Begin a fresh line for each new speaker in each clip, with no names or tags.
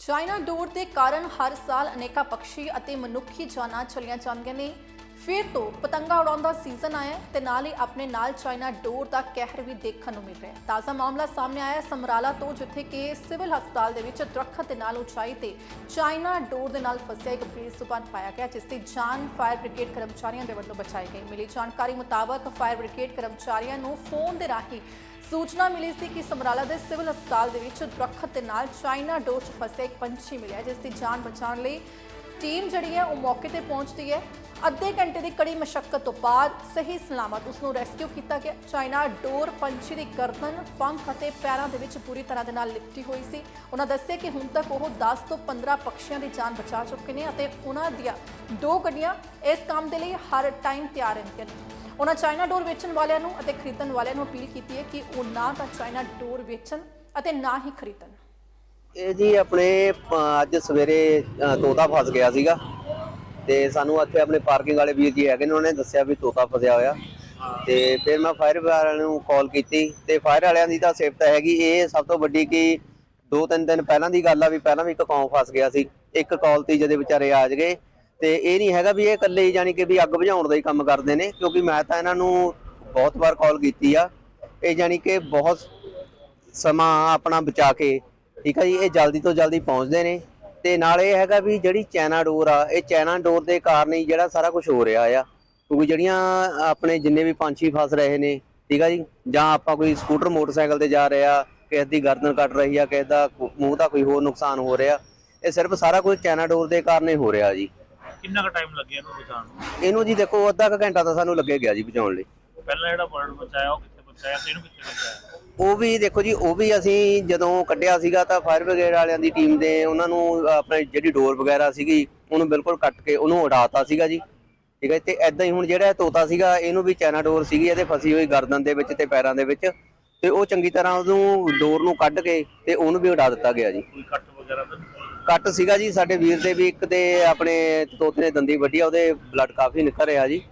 China ਡੋਰ ਦੇ ਕਾਰਨ ਹਰ ਸਾਲ ਅਨੇਕਾਂ ਪੰਛੀ ਅਤੇ ਮਨੁੱਖੀ ਜਾਨਾਂ ਚਲੀਆਂ ਜਾਂਦੀਆਂ ਨੇ। ਫਿਰ ਤੋਂ ਪਤੰਗਾ ਉਡਾਉਣ ਸੀਜ਼ਨ ਆਇਆ ਤੇ ਨਾਲ ਹੀ ਆਪਣੇ ਨਾਲ ਚਾਈਨਾ ਡੋਰ ਦਾ ਕਹਿਰ ਵੀ ਦੇਖਣ ਨੂੰ ਮਿਲ ਰਿਹਾ ਹੈ। ਤਾਜ਼ਾ ਮਾਮਲਾ ਸਾਹਮਣੇ ਆਇਆ ਸਮਰਾਲਾ ਤੋਂ, ਜਿੱਥੇ ਕਿ ਸਿਵਲ ਹਸਪਤਾਲ ਦੇ ਵਿੱਚ ਦਰੱਖਤ ਦੇ ਨਾਲ ਉਚਾਈ ਤੇ ਚਾਈਨਾ ਡੋਰ ਦੇ ਨਾਲ ਫਸਿਆ ਇੱਕ ਬੇਜ਼ੁਬਾਨ ਪਾਇਆ ਗਿਆ, ਜਿਸ ਦੀ ਜਾਨ ਫਾਇਰ ਬ੍ਰਿਗੇਡ ਕਰਮਚਾਰੀਆਂ ਦੇ ਵੱਲੋਂ ਬਚਾਈ ਗਈ। ਮਿਲੀ ਜਾਣਕਾਰੀ ਮੁਤਾਬਕ ਫਾਇਰ ਬ੍ਰਿਗੇਡ ਕਰਮਚਾਰੀਆਂ ਨੂੰ ਫੋਨ ਦੇ ਰਾਹੀਂ सूचना मिली थी कि समराला के सिविल हस्पताल दरख्त के नाल चाइना डोर च फसे एक पंछी मिले, जिसकी जान बचाने लई टीम जिहड़ी है वो मौके पर पहुंचती है। अद्धे घंटे की कड़ी मशक्कत तो बाद सही सलामत उसनूं रेस्क्यू किया गया। चाइना डोर पंछी की गर्दन, पंख और पैरों के विच पूरी तरह के नाल लिपटी हुई सी। उन्होंने दस्सिया कि हुण तक वो 10 तो 15 पक्षियों की जान बचा चुके हैं और उन्होंने दियां 2 गड्डियां इस काम के लिए हर टाइम तैयार रहंदियां ने। उन्होंने चाइना डोर वेचण वालियां नूं अते खरीदण वालियां नूं अपील की है कि वो ना तो चाइना डोर वेचण अते ना ही खरीदण।
ਇਹ ਜੀ ਆਪਣੇ ਅੱਜ ਸਵੇਰੇ ਤੋਤਾ ਫਸ ਗਿਆ ਸੀਗਾ ਤੇ ਸਾਨੂੰ ਇੱਥੇ ਆਪਣੇ ਪਾਰਕਿੰਗ ਵਾਲੇ ਵੀਰ ਜੀ ਹੈਗੇ ਨੇ, ਉਹਨਾਂ ਨੇ ਦੱਸਿਆ ਵੀ ਤੋਤਾ ਫਸਿਆ ਹੋਇਆ ਤੇ ਫਿਰ ਮੈਂ ਫਾਇਰ ਵਾਲਿਆਂ ਨੂੰ ਕਾਲ ਕੀਤੀ ਤੇ ਫਾਇਰ ਵਾਲਿਆਂ ਦੀ ਤਾਂ ਸਿਫਤ ਹੈਗੀ। ਇਹ ਸਭ ਤੋਂ ਵੱਡੀ ਕਿ 2-3 ਦਿਨ ਪਹਿਲਾਂ ਦੀ ਗੱਲ ਆ ਵੀ ਪਹਿਲਾਂ ਵੀ ਇੱਕ ਕੌਂ ਫਸ ਗਿਆ ਸੀ, ਇੱਕ ਕਾਲ ਤੇ ਜਦੇ ਵਿਚਾਰੇ ਆ ਗਏ। ਤੇ ਇਹ ਨਹੀਂ ਹੈਗਾ ਵੀ ਇਹ ਇਕੱਲੇ ਹੀ ਜਾਣੀ ਕਿ ਵੀ ਅੱਗ ਬੁਝਾਉਣ ਦਾ ਹੀ ਕੰਮ ਕਰਦੇ ਨੇ, ਕਿਉਂਕਿ ਮੈਂ ਤਾਂ ਇਹਨਾਂ ਨੂੰ ਬਹੁਤ ਵਾਰ ਕਾਲ ਕੀਤੀ ਆ। ਇਹ ਜਾਣੀ ਕਿ ਬਹੁਤ ਸਮਾਂ ਆਪਣਾ ਬਚਾ ਕੇ, ਠੀਕ ਹੈ ਜੀ, ਇਹ ਜਲਦੀ ਤੋਂ ਜਲਦੀ ਪਹੁੰਚਦੇ ਨੇ। ਤੇ ਨਾਲ ਇਹ ਹੈਗਾ ਵੀ ਜਿਹੜੀ ਚਾਈਨਾ ਡੋਰ ਆ, ਇਹ ਚਾਈਨਾ ਡੋਰ ਦੇ ਕਾਰਨ ਹੀ ਜਿਹੜਾ ਸਾਰਾ ਕੁਝ ਹੋ ਰਿਹਾ ਆ। ਕਿਉਂਕਿ ਜਿਹੜੀਆਂ ਆਪਣੇ ਜਿੰਨੇ ਵੀ ਪੰਛੀ ਫਸ ਰਹੇ ਨੇ, ਠੀਕ ਆ ਜੀ, ਜਾਂ ਆਪਾਂ ਕੋਈ ਸਕੂਟਰ ਮੋਟਰਸਾਈਕਲ ਤੇ ਜਾ ਰਿਹਾ, ਕਿਸੇ ਦੀ ਗਰਦਨ ਕੱਟ ਰਹੀ ਆ, ਕਿਸੇ ਦਾ ਮੂੰਹ ਦਾ ਕੋਈ ਹੋਰ ਨੁਕਸਾਨ ਹੋ ਰਿਹਾ, ਇਹ ਸਿਰਫ ਸਾਰਾ ਕੁਝ ਚਾਈਨਾ ਡੋਰ ਦੇ ਕਾਰਨ ਹੀ ਹੋ ਰਿਹਾ ਜੀ।
ਕਿੰਨਾ ਕੁ ਟਾਈਮ ਲੱਗਿਆ ਇਹਨੂੰ ਬਚਾਉਣ ਨੂੰ?
ਇਹਨੂੰ ਜੀ ਦੇਖੋ ਅੱਧਾ ਕੁ ਘੰਟਾ ਤਾਂ ਸਾਨੂੰ ਲੱਗੇ ਗਿਆ ਜੀ ਬਚਾਉਣ ਲਈ।
ਪਹਿਲਾਂ ਜਿਹੜਾ ਬਰਡ ਬਚਾਇਆ ਉਹ ਕਿੱਥੇ ਬਚਾਇਆ ਤੇ ਇਹਨੂੰ ਕਿੱਥੇ ਬਚਾਇਆ?
ਉਹ ਵੀ ਦੇਖੋ ਜੀ, ਉਹ ਵੀ ਅਸੀਂ ਜਦੋਂ ਕੱਢਿਆ ਸੀਗਾ ਤਾਂ ਫਾਇਰ ਬ੍ਰਿਗੇਡ ਵਾਲਿਆਂ ਦੀ ਟੀਮ ਦੇ ਉਹਨਾਂ ਨੂੰ ਆਪਣੇ ਜਿਹੜੀ ਡੋਰ ਵਗੈਰਾ ਸੀਗੀ ਉਹਨੂੰ ਬਿਲਕੁਲ ਕੱਟ ਕੇ ਉਹਨੂੰ ਉਡਾਤਾ ਸੀਗਾ ਜੀ, ਠੀਕ ਹੈ। ਤੇ ਐਦਾਂ ਹੀ ਹੁਣ ਜਿਹੜਾ ਤੋਤਾ ਸੀਗਾ ਇਹਨੂੰ ਵੀ ਚਾਈਨਾ ਡੋਰ ਸੀਗੀ ਇਹਦੇ ਫਸੀ ਹੋਈ ਗਰਦਨ ਦੇ ਵਿੱਚ ਤੇ ਪੈਰਾਂ ਦੇ ਵਿੱਚ, ਤੇ ਉਹ ਚੰਗੀ ਤਰ੍ਹਾਂ ਉਹਨੂੰ ਡੋਰ ਨੂੰ ਕੱਢ ਕੇ ਤੇ ਉਹਨੂੰ ਵੀ ਉਡਾ ਦਿੱਤਾ ਗਿਆ ਜੀ।
ਕੋਈ ਕੱਟ ਵਗੈਰਾ ਤਾਂ
ਕੱਟ ਸੀਗਾ ਜੀ ਸਾਡੇ ਵੀਰ ਦੇ ਵੀ, ਇੱਕ ਤੇ ਆਪਣੇ ਤੋਤੇ ਨੇ ਦੰਦੀ ਵੱਢੀ ਆ, ਉਹਦੇ ਬਲੱਡ ਕਾਫੀ ਨਿਕਲ ਰਿਹਾ ਜੀ।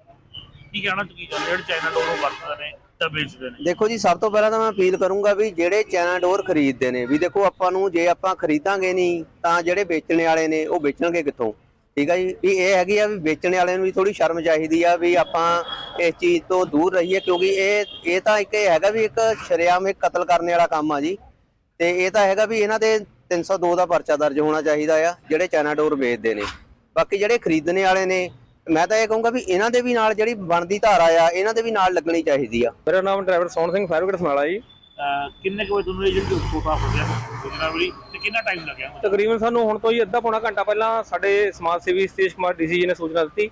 ਕੀ ਕਹਿਣਾ ਤੁਸੀਂ ਜਿਹੜੇ ਚਾਈਨਾ ਡੋਰ ਨੂੰ ਵਰਤਦੇ ਨੇ ਤਾਂ ਵੇਚਦੇ ਨੇ?
ਦੇਖੋ ਜੀ, ਸਭ ਤੋਂ ਪਹਿਲਾਂ ਤਾਂ ਮੈਂ ਅਪੀਲ ਕਰੂੰਗਾ ਵੀ ਜਿਹੜੇ ਚਾਈਨਾ ਡੋਰ ਖਰੀਦਦੇ ਨੇ, ਵੀ ਦੇਖੋ ਆਪਾਂ ਨੂੰ ਜੇ ਆਪਾਂ ਖਰੀਦਾਂਗੇ ਨਹੀਂ ਤਾਂ ਜਿਹੜੇ ਵੇਚਣ ਵਾਲੇ ਨੇ ਉਹ ਵੇਚਣਗੇ ਕਿੱਥੋਂ, ਠੀਕ ਆ ਜੀ। ਵੀ ਇਹ ਹੈਗੀ ਆ ਵੀ ਵੇਚਣ ਵਾਲਿਆਂ ਨੂੰ ਵੀ ਥੋੜੀ ਸ਼ਰਮ ਚਾਹੀਦੀ ਆ ਵੀ ਆਪਾਂ ਇਸ ਚੀਜ਼ ਤੋਂ ਦੂਰ ਰਹੀਏ, ਕਿਉਂਕਿ ਇਹ ਤਾਂ ਇੱਕ ਹੈਗਾ ਵੀ ਇੱਕ ਸ਼ਰੇਆਮ ਇੱਕ ਕਤਲ ਕਰਨ ਵਾਲਾ ਕੰਮ ਆ ਜੀ। ਤੇ ਇਹ ਤਾਂ ਹੈਗਾ ਵੀ ਇਹਨਾਂ ਦੇ 302 ਦਾ ਪਰਚਾ ਦਰਜ ਹੋਣਾ ਚਾਹੀਦਾ ਆ ਜਿਹੜੇ ਚਾਈਨਾ ਡੋਰ ਵੇਚਦੇ ਨੇ। ਬਾਕੀ ਜਿਹੜੇ ਖਰੀਦਣੇ ਵਾਲੇ ਨੇ, ਮੈਂ ਤਾਂ ਇਹ ਕਹੂੰਗਾ ਵੀ ਇਹਨਾਂ ਦੇ ਵੀ ਨਾਲ ਜਿਹੜੀ ਬਣਦੀ ਧਾਰਾ ਆ ਇਹਨਾਂ ਦੇ ਵੀ ਨਾਲ ਲੱਗਣੀ ਚਾਹੀਦੀ ਆ।
ਮੇਰਾ ਨਾਮ driver Sohan Singh, fire brigade Samrala ji.
ਕਿੰਨੇ ਕੁ ਵਜੇ ਤੁਹਾਨੂੰ ਇਹ ਜਿਹੜੀ ਤੋਤਾ ਫਸਿਆ ਸੂਚਨਾ ਮਿਲੀ ਤੇ ਕਿੰਨਾ ਟਾਈਮ ਲੱਗਿਆ?
ਤਕਰੀਬਨ ਸਾਨੂੰ ਹੁਣ ਤੋਂ ਹੀ ਅੱਧਾ ਪੌਣਾ ਘੰਟਾ ਪਹਿਲਾਂ ਸਾਡੇ ਸਮਾਜ ਸੇਵੀ ਸਤੀਸ਼ ਕੁਮਾਰ ਡੀਸੀ ਜੀ ਨੇ ਸੂਚਨਾ ਦਿੱਤੀ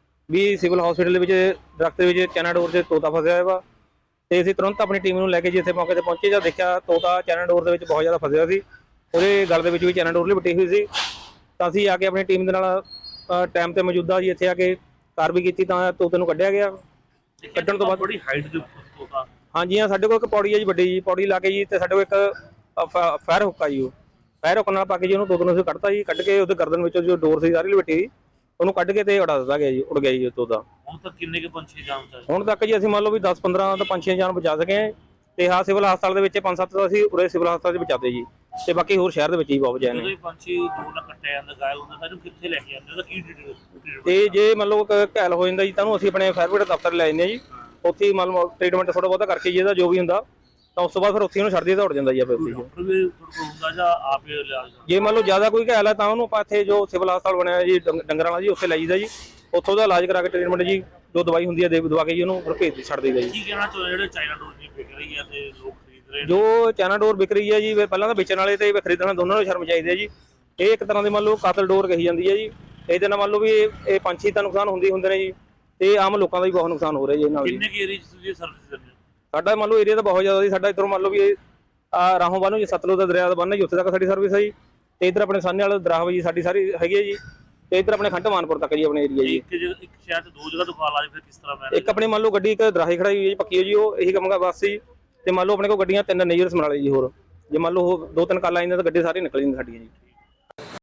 ਵੀ ਸਿਵਲ ਹਸਪੀਟਲ ਦੇ ਵਿੱਚ ਦਰਖਤ ਦੇ ਵਿੱਚ ਚਾਈਨਾ ਡੋਰ 'ਚ ਤੋਤਾ ਫਸਿਆ ਹੋਇਆ ਵਾ। ਤੇ ਅਸੀਂ ਤੁਰੰਤ ਆਪਣੀ ਟੀਮ ਨੂੰ ਲੈ ਕੇ ਜੀ ਇੱਥੇ ਮੌਕੇ ਤੇ ਪਹੁੰਚੇ। ਜਦ ਦੇਖਿਆ ਤੋਤਾ ਚਾਈਨਾ ਡੋਰ ਦੇ ਵਿੱਚ ਬਹੁਤ ਜ਼ਿਆਦਾ ਫਸਿਆ ਸੀ, ਉਹਦੇ ਗਲ ਦੇ ਵਿੱਚ ਵੀ ਚਾਈਨਾ ਡੋਰ ਲਿਪਟੀ ਹੋਈ ਸੀ। ਤਾਂ ਅਸੀਂ ਆ ਕੇ ਆਪਣੀ ਟੀਮ ਦੇ ਨਾਲ ਟਾਈਮ ਤੇ ਮੌਜੂਦਾ ਜੀ ਇੱਥੇ ਆ ਕੇ ਕਾਰਵਾਈ ਕੀਤੀ ਤਾਂ ਤੋਤੇ ਨੂੰ ਕੱਢਿਆ ਗਿਆ। ਕੱਢਣ ਤੋਂ ਬਾਅਦ
ਬੜੀ ਹਾਈਟ ਦੇ ਤੋਤਾ?
ਹਾਂਜੀ ਹਾਂ, ਸਾਡੇ ਕੋਲ ਇੱਕ ਪੌੜੀ ਹੈ ਜੀ, ਵੱਡੀ ਜੀ ਪੌੜੀ ਲਾ ਕੇ ਜੀ, ਤੇ ਸਾਡੇ ਕੋਲ ਇੱਕ ਫਾਇਰ ਹੁੱਕ ਆ ਜੀ, ਉਹ ਫਾਇਰ ਹੁੱਕ ਨਾਲ ਪਾ ਕੇ ਜੀ ਉਹਨੂੰ ਤੋਤੇ ਨੂੰ ਅਸੀਂ ਕੱਢਤਾ ਜੀ। ਕੱਢ ਕੇ ਉਹਦੇ ਗਰਦਨ ਵਿੱਚੋਂ ਜੋ ਡੋਰ ਸੀ ਸਾਰੀ ਲਪੇਟੀ ਉਹਨੂੰ ਕੱਢ ਕੇ ਤੇ ਉਡਾ ਦਿੱਤਾ ਗਿਆ ਜੀ, ਉੜ ਗਿਆ ਜੀ ਤੋਤਾ।
ਹੁਣ ਤੱਕ ਕਿੰਨੇ ਕੁ ਪੰਛੀ ਜਾਨ ਬਚਾਏ?
ਹੁਣ ਤੱਕ ਜੀ ਅਸੀਂ ਮੰਨ ਲਓ ਵੀ 10-15 ਤਾਂ ਪੰਛੀਆਂ ਜਾਨ ਬਚਾ ਸਕੇ ਹਾਂ। ਤੇ ਹਾਂ, ਸਿਵਲ ਹਸਪਤਾਲ ਦੇ ਵਿੱਚ 5-7 ਤਾਂ ਅਸੀਂ ਉਰੇ ਸਿਵਲ ਹਸਪਤਾਲ 'ਚ ਬਚਾਤੇ ਜੀ, ਤੇ ਬਾਕੀ ਹੋਰ ਸ਼ਹਿਰ ਦੇ ਵਿੱਚ ਹੀ ਬਹੁਤ ਬਚਾਏ ਨੇ।
ਜਦੋਂ ਪੰਛੀ ਦੂਰ ਨਾਲ ਕੱਟਿਆ ਜਾਂਦਾ, ਗਾਇਬ ਹੁੰਦਾ ਤਾਂ ਇਹਨੂੰ ਕਿੱਥੇ ਲੈ ਕੇ ਜਾਂਦੇ? ਉਹਦਾ ਕੀ
ਤੇ ਜੇ ਮੰਨ ਲਓ ਘਾਇਲ ਹੋ ਜਾਂਦਾ ਜੀ ਤਾਂ ਉਹਨੂੰ ਅਸੀਂ ਆਪਣੇ ਫਾਇਰ ਬ੍ਰਿਗੇਡ ਦਫ਼ਤਰ ਲੈ ਜਾਂਦੇ ਹਾਂ ਜੀ। ਉੱਥੇ ਹੀ ਮੰਨ ਲਓ ਟ੍ਰੀਟਮੈਂਟ ਥੋੜਾ ਬਹੁਤਾ ਕਰਕੇ ਜੀ ਇਹਦਾ ਜੋ ਵੀ ਹੁੰਦਾ, ਤਾਂ ਉਸ ਤੋਂ ਬਾਅਦ ਫਿਰ ਉੱਥੇ ਉਹਨੂੰ ਛੱਡ ਦਈਏ ਤਾਂ ਉੜ ਜਾਂਦਾ ਜੀ ਆਪੇ ਉੱਥੇ।
ਡਾਕਟਰ ਵੀ ਹੁੰਦਾ ਜਾਂ ਆਪੇ ਇਲਾਜ?
ਜੇ ਮੰਨ ਲਓ ਜ਼ਿਆਦਾ ਕੋਈ ਘਾਇਲ ਹੈ ਤਾਂ ਉਹਨੂੰ ਆਪਾਂ ਇੱਥੇ ਜੋ ਸਿਵਲ ਹਸਪਤਾਲ ਬਣਿਆ ਜੀ ਡੰਗਰਾਂ ਵਾਲਾ ਜੀ, ਉੱਥੇ ਲੈ ਜਾਈਦਾ ਜੀ। ਉੱਥੋਂ ਦਾ ਇਲਾਜ ਕਰਾ ਕੇ ਟ੍ਰੀਟਮੈਂਟ ਜੀ ਜੋ ਦਵਾਈ ਹੁੰਦੀ ਹੈ ਦਵਾ ਕੇ ਜੀ ਉਹਨੂੰ ਫਿਰ ਭੇਜ ਛੱਡ ਦਈਦਾ ਜੀ।
ਕੀ ਕਹਿਣਾ ਚਾਹੁੰਦੇ ਜਿਹੜੇ ਚਾਈਨਾ ਡੋਰ ਦੀ ਵਿਕ ਰਹੀ ਹੈ ਤੇ ਲੋਕ ਖਰੀਦ ਰਹੇ ਨੇ?
ਜੋ ਚਾਈਨਾ ਡੋਰ ਵਿਕ ਰਹੀ ਹੈ ਜੀ, ਪਹਿਲਾਂ ਤਾਂ ਵੇਚਣ ਵਾਲੇ ਤੇ ਖਰੀਦਣ ਵਾਲੇ ਦੋਨਾਂ ਨੂੰ ਸ਼ਰਮ ਚਾਹੀਦੀ ਹੈ ਜੀ। ਇਹ ਇੱਕ ਤਰ੍ਹਾਂ ਦੀ ਮੰਨ ਲਓ ਕਾਤਲ ਡੋਰ ਕਹੀ ਜਾਂਦੀ ਹੈ ਜੀ। ਇਹਦੇ ਨਾਲ ਮੰਨ ਲਓ ਵੀ ਇਹ ਪੰਛੀ ਦਾ ਨੁਕਸਾਨ ਹੁੰਦੇ ਨੇ ਜੀ, ਤੇ ਆਮ ਲੋਕਾਂ ਦਾ ਵੀ ਬਹੁਤ ਨੁਕਸਾਨ ਹੋ ਰਿਹਾ ਜੀ ਇਹਨਾਂ ਨਾਲ।
ਕਿੰਨੇ ਕੀ ਏਰੀਆ 'ਚ ਤੁਸੀਂ ਸਰਵਿਸ ਦਿੰਦੇ ਹੋ?
ਸਾਡਾ ਮੰਨ ਲਓ ਏਰੀਆ ਤਾਂ ਬਹੁਤ ਜ਼ਿਆਦਾ ਜੀ। ਸਾਡਾ ਇੱਧਰੋਂ ਮੰਨ ਲਓ ਵੀ ਰਾਹੋਂ ਬੰਨ੍ਹ ਜੀ, ਸਤਲੁਜ ਦਾ ਦਰਿਆ ਦਾ ਬੰਨ੍ਹ ਜੀ, ਉੱਥੇ ਤੱਕ ਸਾਡੀ ਸਰਵਿਸ ਹੈ ਜੀ। ਤੇ ਇੱਧਰ ਆਪਣੇ ਸਾਹਨੇ ਵਾਲਾ ਦਰਾਹ ਜੀ ਸਾਡੀ ਸਾਰੀ ਹੈਗੀ ਹੈ ਜੀ। ਤੇ ਇੱਧਰ ਆਪਣੇ ਖੰਡ ਮਾਨਪੁਰ ਤੱਕ ਜੀ ਆਪਣੇ ਏਰੀਆ ਜੀ।
ਇੱਕ ਸ਼ਹਿਰ 'ਚ 2 ਜਗ੍ਹਾ ਤੋਂ ਕਾਲ ਆ ਜਾਏ ਫਿਰ ਕਿਸ ਤਰ੍ਹਾਂ?
ਇੱਕ ਆਪਣੀ ਮੰਨ ਲਓ ਗੱਡੀ ਇੱਕ ਦਰਾਹੇ ਖੜਾਈ ਹੋਈ ਹੈ ਜੀ, ਪੱਕੀ ਹੈ ਜੀ, ਉਹ ਇਹੀ ਕੰਮ ਬਸ ਜੀ। ਤੇ ਮੰਨ ਲਓ ਆਪਣੇ ਕੋਲ ਗੱਡੀਆਂ 3 ਨੇਜਰ ਸਮਰਾਲੇ ਜੀ। ਹੋਰ ਜੇ ਮੰਨ ਲਓ 2-3 ਕਾਲਾਂ ਆਈਆਂ ਤਾਂ ਗੱਡੀ ਸਾਰੀ ਨਿਕਲ ਜਾਂਦੀ ਸਾਡੀ ਜੀ।